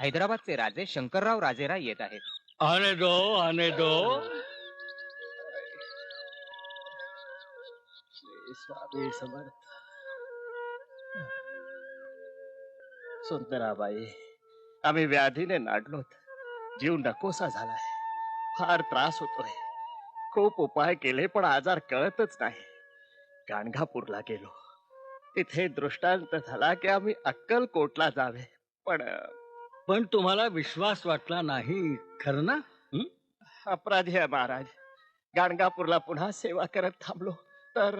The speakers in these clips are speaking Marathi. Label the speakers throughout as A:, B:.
A: हैदराबादचे राजे शंकरराव राजेराय येत आहेत.
B: आने दो, आने दो.
C: स्वामी समर्थ. सुंदराबाई, आम्ही व्याधीने नाडलोत. जीव नकोसा झालाय. फार त्रास होतोय. खूप उपाय केले पण आजार कळतच नाही. गाणगापूरला गेलो. तिथे दृष्टांत झाला की आम्ही अक्कलकोटला जावे.
B: पण तुम्हाला विश्वास वाटला नाही, खरं ना?
C: अपराधी आहे महाराज. गाणगापूरला पुन्हा सेवा करत थांबलो तर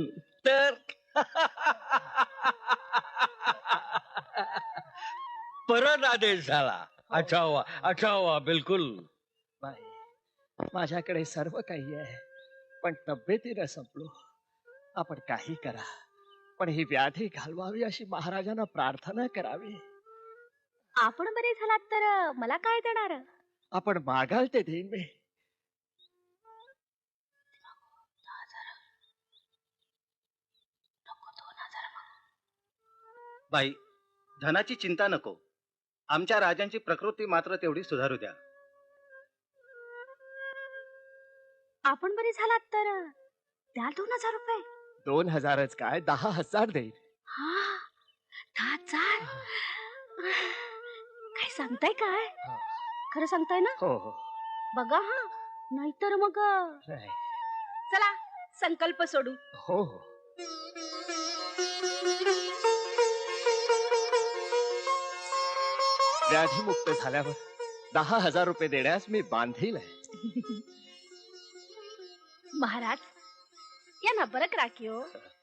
B: परत आदेश झाला. अच्छा हुआ बिलकुल.
C: बाई, माझ्याकडे सर्व काही आहे पण तब्येतीनं संपलो. आपण काही करा पण ही व्याधी घालवावी अशी महाराजांना प्रार्थना करावी.
D: आपण बरे झालात तर मला काय देणार?
C: आपण मागाल ते देईन मी.
E: बाई, धनाची चिंता नको. आमच्या राजांची प्रकृती मात्र तेवढी सुधारू द्या.
D: आपण बरे झालात तर द्याल 2000 रुपये.
C: 2000च काय 10,000 देईन.
D: हा, 10,000. काय सांगताय काय? खरं सांगताय ना?
C: हो हो.
D: बघा हा, नाहीतर मग
C: नाही.
D: चला संकल्प सोडू.
C: हो हो. व्याधीमुक्त झाल्यावर 10,000 रुपये देण्यास मी बांधील आहे.
D: महाराज या ना बरं राखीव.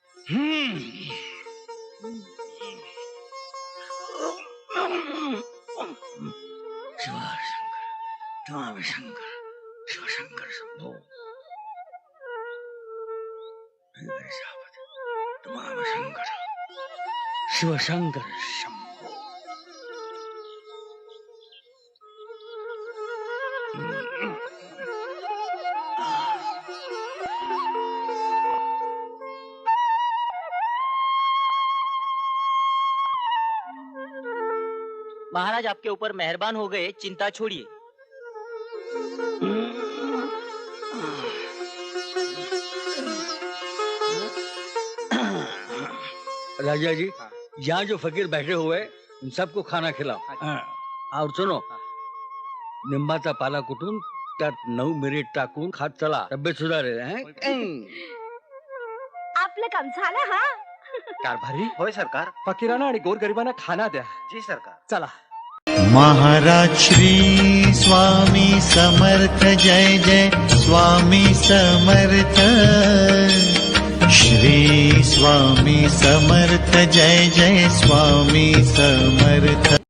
B: शिवशंकर शिवशंकर शंभो. शिवशंकर शंभो.
F: महाराज आपके ऊपर मेहरबान हो गए, चिंता छोड़िए.
B: राजा जी, यहाँ जो फकीर बैठे हुए उन सबको खाना खिलाओ. और सुनो, निंबाचा पाला कुटून त्यात 9 मिनिट टाकून खात चला. तब्येत सुधारेल.
D: आपलं काम झालं. हा,
C: कारभारी,
E: होय सरकार.
C: फकीरांना आणि गोरगरिबांना खाना द्या.
E: जी सरकार.
C: चला.
G: महाराज श्री स्वामी समर्थ जय जय स्वामी समर्थ. श्री स्वामी समर्थ जय जय स्वामी समर्थ.